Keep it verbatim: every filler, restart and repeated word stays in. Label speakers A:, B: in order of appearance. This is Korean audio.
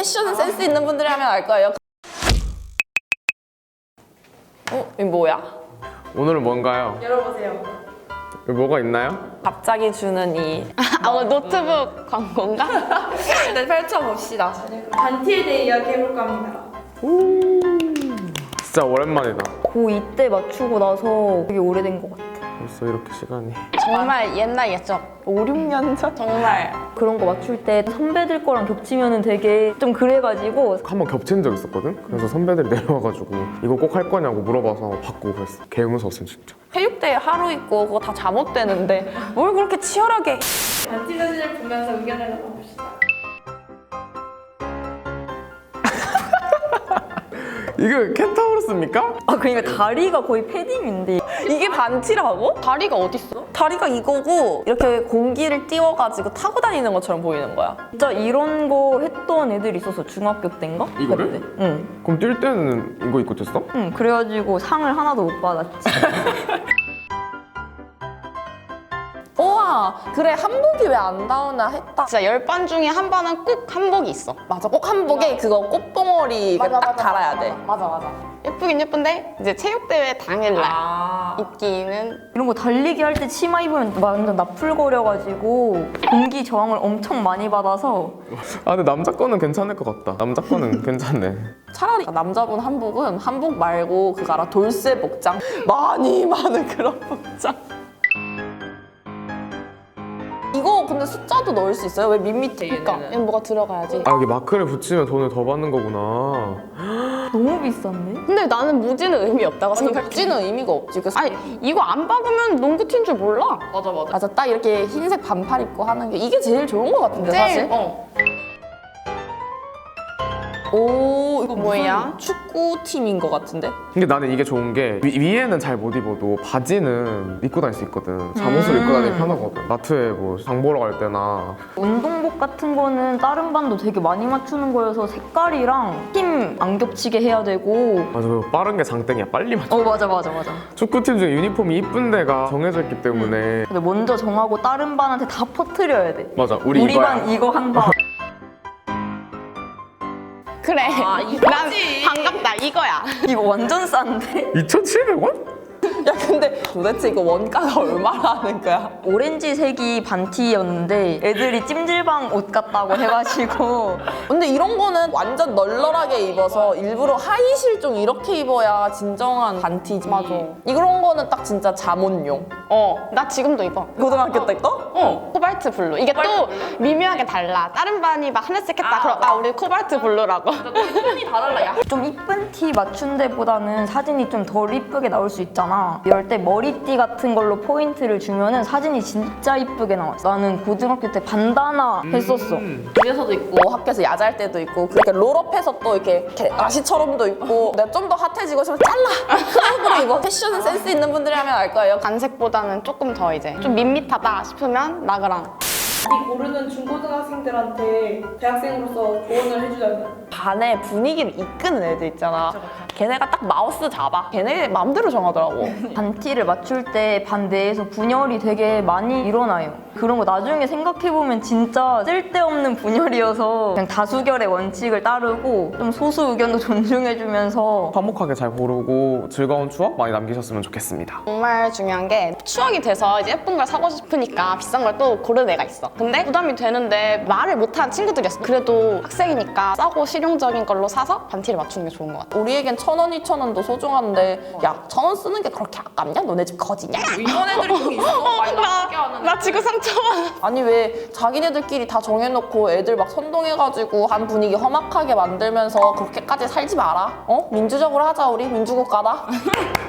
A: 패션 센스 있는 분들이 하면 알 거예요. 어? 이거 뭐야?
B: 오늘은 뭔가요?
C: 열어보세요.
B: 여기 뭐가 있나요?
A: 갑자기 주는 이
D: 아, 오늘 노트북 광고인가?
A: 네, 펼쳐봅시다.
C: 반티에 대해 이야기해볼까 합니다.
B: 진짜 오랜만이다.
E: 고이 때 맞추고 나서 되게 오래된 것 같아.
B: 벌써 이렇게 시간이.
D: 정말 옛날 옛적.
A: 오, 육 년 전?
D: 정말.
E: 그런 거 맞출 때 선배들 거랑 겹치면은 되게 좀 그래가지고
B: 한 번 겹친 적 있었거든? 그래서 선배들이 내려와가지고 이거 꼭 할 거냐고 물어봐서 바꾸고 그랬어. 개 무서웠어 진짜.
A: 체육대회 하루 있고 그거 다 잠옷되는데 뭘 그렇게 치열하게.
C: 반티 사진을 보면서 의견을 나눠봅시다.
B: 이거 켄타우로스입니까?
E: 아 그러니까 다리가 거의 패딩인데
A: 이게 반티라고?
D: 다리가 어딨어?
A: 다리가 이거고 이렇게 공기를 띄워가지고 타고 다니는 것처럼 보이는 거야.
E: 진짜 이런 거 했던 애들 있었어 중학교 때인가?
B: 이거를?
E: 그때. 응.
B: 그럼 뛸 때는 이거 입고 뛰었어?
E: 응 그래가지고 상을 하나도 못 받았지.
A: 우와, 그래 한복이 왜 안 나오나 했다.
D: 진짜 열 반 중에 한 반은 꼭 한복이 있어.
A: 맞아, 꼭 한복에 그거 꽃봉오리 딱 달아야 돼.
D: 맞아, 맞아. 예쁘긴 예쁜데 이제 체육대회 당일날
A: 아,
D: 입기는
E: 이런 거 달리기 할 때 치마 입으면 완전 나풀거려가지고 공기 저항을 엄청 많이 받아서
B: 아 근데 남자 거는 괜찮을 것 같다. 남자 거는 괜찮네.
A: 차라리 남자분 한복은 한복 말고 그거 알아? 돌쇠 복장 많이 많은 그런 복장. 이거 근데 숫자도 넣을 수 있어요? 왜 밋밋해
D: 그러니까
A: 얘네는?
D: 얘는 뭐가 들어가야지.
B: 아 여기 마크를 붙이면 돈을 더 받는 거구나.
E: 너무 비싼데?
D: 근데 나는 무지는 의미 없다고
A: 아니
D: 생각해.
A: 복지는 의미가 없지. 그래서
D: 아니 이거 안 박으면 농구팀인 줄 몰라.
A: 맞아 맞아. 맞아, 딱 이렇게 흰색 반팔 입고 하는 게 이게 제일 좋은 것 같은데
D: 제일,
A: 사실.
D: 어.
A: 오, 이거
D: 뭐야?
A: 무슨 축구팀인 것 같은데?
B: 근데 나는 이게 좋은 게 위, 위에는 잘 못 입어도 바지는 입고 다닐 수 있거든. 잠옷을 입고 다니기 편하거든. 마트에 뭐 장 보러 갈 때나.
E: 운동복 같은 거는 다른 반도 되게 많이 맞추는 거여서 색깔이랑 팀 안 겹치게 해야 되고
B: 맞아, 그리고 빠른 게 장땡이야. 빨리 맞춰.
E: 어 맞아 맞아 맞아.
B: 축구팀 중에 유니폼이 이쁜 데가 정해져 있기 때문에.
E: 근데 먼저 정하고 다른 반한테 다 퍼뜨려야 돼.
B: 맞아, 우리,
E: 우리
B: 이거야.
E: 반 이거 한 반.
D: 그래.
A: 아,
D: 난
A: 이거지.
D: 반갑다 이거야.
E: 이거 완전 싼데?
B: 이천칠백 원?
A: 야 근데 도대체 이거 원가가 얼마나 하는 거야?
E: 오렌지색이 반티였는데 애들이 찜질방 옷 같다고 해가지고
A: 근데 이런 거는 완전 널널하게 입어서 일부러 하이실 좀 이렇게 입어야 진정한 반티지.
D: 맞아.
A: 이런 거는 딱 진짜 잠옷용.
D: 어, 나 지금도 입어.
A: 고등학교 때 거?
D: 어, 코발트 블루. 이게 또 미묘하게 달라. 다른 반이 막 하늘색 했다. 그럼 아, 우리 코발트 블루라고.
A: 톤이 다 달라. 야.
E: 좀 이쁜 티 맞춘 데보다는 사진이 좀 덜 이쁘게 나올 수 있잖아. 이럴 때 머리띠 같은 걸로 포인트를 주면은 사진이 진짜 이쁘게 나와. 나는 고등학교 때 반다나 했었어.
A: 집에서도 입고 학교에서 야자할 때도 입고 그렇게 롤업해서 또 이렇게, 이렇게 아시처럼도 입고 내가 좀 더 핫해지고 싶으면 잘라! 크롭으로 입어. 패션 센스 있는 분들이 하면 알 거예요.
D: 간색보다는 조금 더 이제 좀 밋밋하다 싶으면 나그랑.
C: 이 고르는 중고등학생들한테 대학생으로서 조언을 해주자면
A: 반의 분위기를 이끄는 애들 있잖아. 걔네가 딱 마우스 잡아. 걔네 마음대로 정하더라고.
E: 반티를 맞출 때 반 내에서 분열이 되게 많이 일어나요. 그런 거 나중에 생각해보면 진짜 쓸데없는 분열이어서 그냥 다수결의 원칙을 따르고 좀 소수 의견도 존중해주면서
B: 화목하게 잘 고르고 즐거운 추억 많이 남기셨으면 좋겠습니다.
D: 정말 중요한 게 추억이 돼서 이제 예쁜 걸 사고 싶으니까 비싼 걸 또 고르는 애가 있어. 근데 부담이 되는데 말을 못하는 친구들이었어. 그래도 학생이니까 싸고 실용적인 걸로 사서 반티를 맞추는 게 좋은 것 같아.
A: 우리에겐 천 원, 이천 원도 소중한데 야, 천 원 쓰는 게 그렇게 아깝냐? 너네 집 거지냐? 이런 애들이 꼭 있어. 많이 나쁘게 하는
D: 나 지금 상처받아.
A: 아니 왜 자기네들끼리 다 정해놓고 애들 막 선동해가지고 한 분위기 험악하게 만들면서 그렇게까지 살지 마라. 어? 민주적으로 하자 우리 민주국가다.